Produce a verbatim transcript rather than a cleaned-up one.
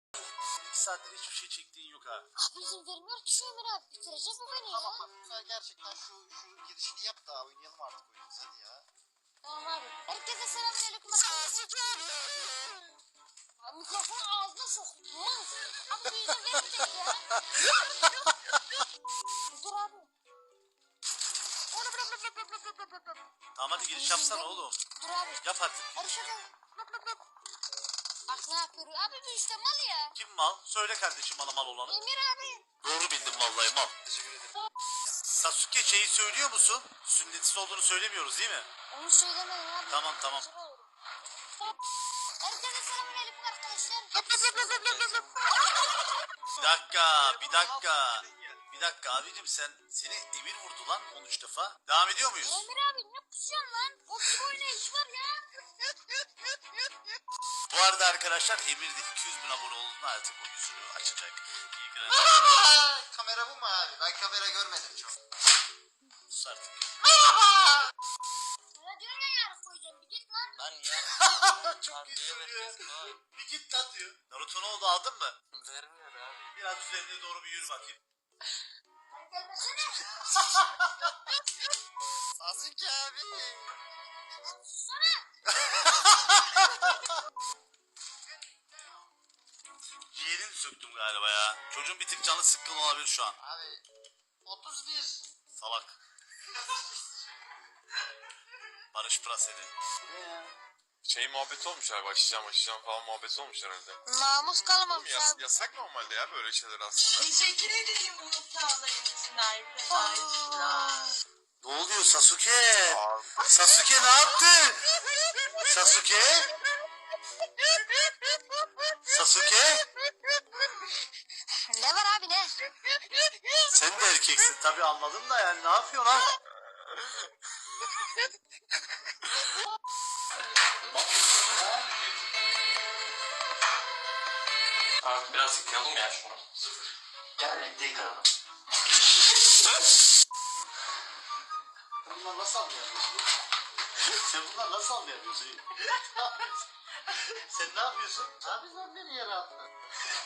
İki saattir hiçbir şey çektiğin yok ha. Abi izin vermiyor ki şu Emir abi. Bitirecek bu beni ya. Tamam bak sen gerçekten şu şu girişini yap da oynayalım artık oyunumuzu hadi ya. Tamam abi. Herkese selamünaleyküm arkadaşlar. Abi mikrofonu ağzına soktu. Abi bir izin vermeyecek ya. Dur abi. Onu bırak bırak bırak bırak bırak bırak bırak. Tamam hadi giriş yapsana oğlum. Dur abi. Yap artık. Arışa da. Bırak bırak bırak. Bak ne yapıyor? Abi bu işte mal ya. Kim mal? Söyle kardeşim bana mal olanı. Emir abi. Doğru bildim vallahi mal. Teşekkür ederim. Sasuke şeyi söylüyor musun? Sünnetsiz olduğunu söylemiyoruz değil mi? Onu söylemeyin abi. Tamam tamam. Herkese selamünaleyküm arkadaşlar. Bir dakika, bir dakika. Bir dakika abicim sen seni Emir vurdu lan on üç defa. Devam ediyor muyuz? Emir abi ne kusuyorsun lan? O gibi oynayış var ya. Bu arada arkadaşlar Emir de iki yüz bin abone olduğunda artık o yüzünü açacak. İyi günler. Kamera bu mu abi? Ben kamera görmedim çok. Sus artık. Sana diyor ya yarın koyacağım. Bir git lan. Lan ya. Çok Harbiye iyi söylüyor. vermez vay. Bir git lan diyor. Naruto ne oldu aldın mı? Vermiyor abi. Biraz üzerine doğru bir yürü bakayım. Lan gelmesene. Sasuke abi. Lan sussana. Ciğerini söktüm galiba ya. Çocuğun bir tık canı sıkkın olabilir şu an. Abi otuz bir. Salak. Barış Praseli. Şey muhabbeti olmuş abi, açacağım açacağım falan muhabbeti olmuş herhalde. Namus kalmamış Yas, abi. yasak normalde ya böyle şeyler aslında. Teşekkür ederim bunu sağlayın için arkadaşlar. Ne oluyor Sasuke? Abi. Sasuke ne yaptı? Sasuke? Sasuke? Ne var abi ne? Sen de erkeksin tabii anladım da yani ne yapıyorsun lan? Abi biraz yıkayalım ya şunu. Gel renkli yıkayalım. Bunlar nasıl anlayamıyorsun? Sen bunlar nasıl anlayamıyorsun? Sen ne yapıyorsun? Abi sen beni yere attın.